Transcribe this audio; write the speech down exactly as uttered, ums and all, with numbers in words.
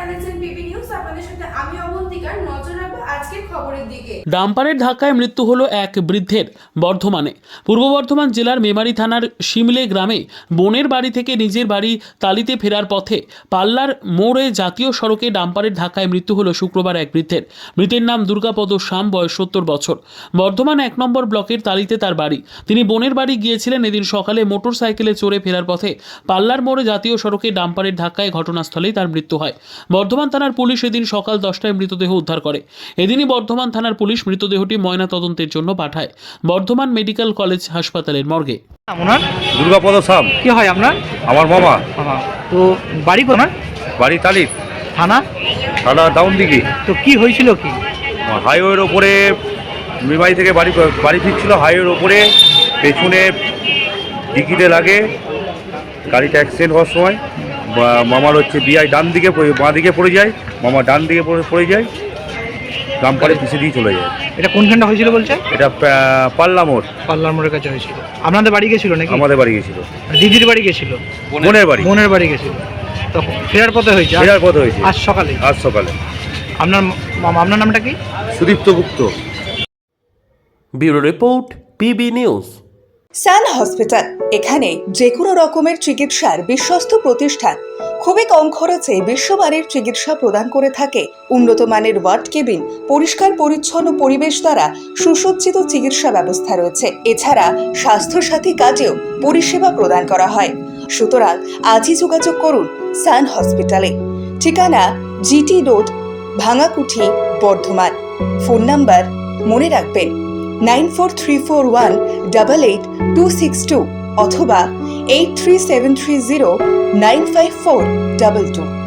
দেখছেন PB news. আপনাদের সাথে আমি অবন্তিকার। নজর রাখবো আজকের খবরের দিকে। ডাম্পারের ধাক্কায় মৃত্যু হলো এক বৃদ্ধের বর্ধমানে। পূর্ব বর্ধমান জেলার মেমারি থানার শিমলে গ্রামে বোনের বাড়ি থেকে নিজের বাড়ি তালিতে ফেরার পথে পাল্লার মোড়ে জাতীয় সড়কে ডাম্পারের ধাক্কায় মৃত্যু হলো শুক্রবার এক বৃদ্ধের। মৃতের নাম দুর্গাপদ শাম, বয়স সত্তর বছর। বর্ধমান এক নম্বর ব্লকের তালিতে তার বাড়ি। তিনি বোনের বাড়ি গিয়েছিলেন। এদিন সকালে মোটর সাইকেলে চড়ে ফেরার পথে পাল্লার মোড়ে জাতীয় সড়কে ডাম্পারের ধাক্কায় ঘটনাস্থলেই তার মৃত্যু হয়। বর্ধমান থানার পুলিশ এদিন সকাল দশটায় মৃতদেহ উদ্ধার করে। এদিনই বর্ধমান থানার পুলিশ মৃতদেহটি ময়না তদন্তের জন্য পাঠায় বর্ধমান মেডিকেল কলেজ হাসপাতালের মর্গে। আপনার দুর্গাপদ শাম। কি হয় আপনার? আমার মামা। হ্যাঁ, তো বাড়ি কোথায়? বাড়ি তালিত, থানা? থানা ডাউন দিকে। তো কি হয়েছিল কি? হাইওয়ের ওপরে মেমারি থেকে বাড়ি বাড়ি ফিরছিল, হাইওয়ের ওপরে পেছনে ডিকিতে লাগে, গাড়িটা অ্যাক্সিডেন্ট হওয়ার সময় বা- মামার হচ্ছে বিআই ডান দিকে পড়ে- বাঁ দিকে পড়ে যায়, মামা ডান দিকে পড়ে পড়ে যায়, ডাম্পারে পিছিয়ে দিয়ে চলে যায়। এটা কোনখানটা হয়েছিল বলছে? এটা পা- পাল্লা মোড়। পাল্লার মোড়ের কাছে হয়েছিল। আপনাদের বাড়ি গেছিল নাকি? আমাদের বাড়ি গেছিল, দিদির বাড়ি গেছিল? বোনের বাড়ি। বোনের বাড়ি গেছিল। তখন ফেরার পথে হয়েছে? আজ- ফেরার পথে হয়েছে আজ সকালে? আজ সকালে। আপনার মামা, আপনার নামটা কি? Sudipta Gupta. Bureau report, PB news. Sun hospital, এখানে যে কোনো রকমের চিকিৎসার বিশ্বস্ত প্রতিষ্ঠান। খুবই কম খরচে বিশ্বমানের চিকিৎসা প্রদান করে থাকে। উন্নত মানের ওয়ার্ড কেবিন, পরিষ্কার পরিচ্ছন্ন পরিবেশ দ্বারা সুসজ্জিত চিকিৎসা ব্যবস্থা রয়েছে। এছাড়া স্বাস্থ্যসাথী কাজেও পরিষেবা প্রদান করা হয়। সুতরাং আজই যোগাযোগ করুন সান হসপিটালে। ঠিকানা GT road, Bhangakuthi, Bardhaman. Phone number মনে রাখবেন nine four three four one double eight two six two অথবা eight three seven three zero nine five four double two.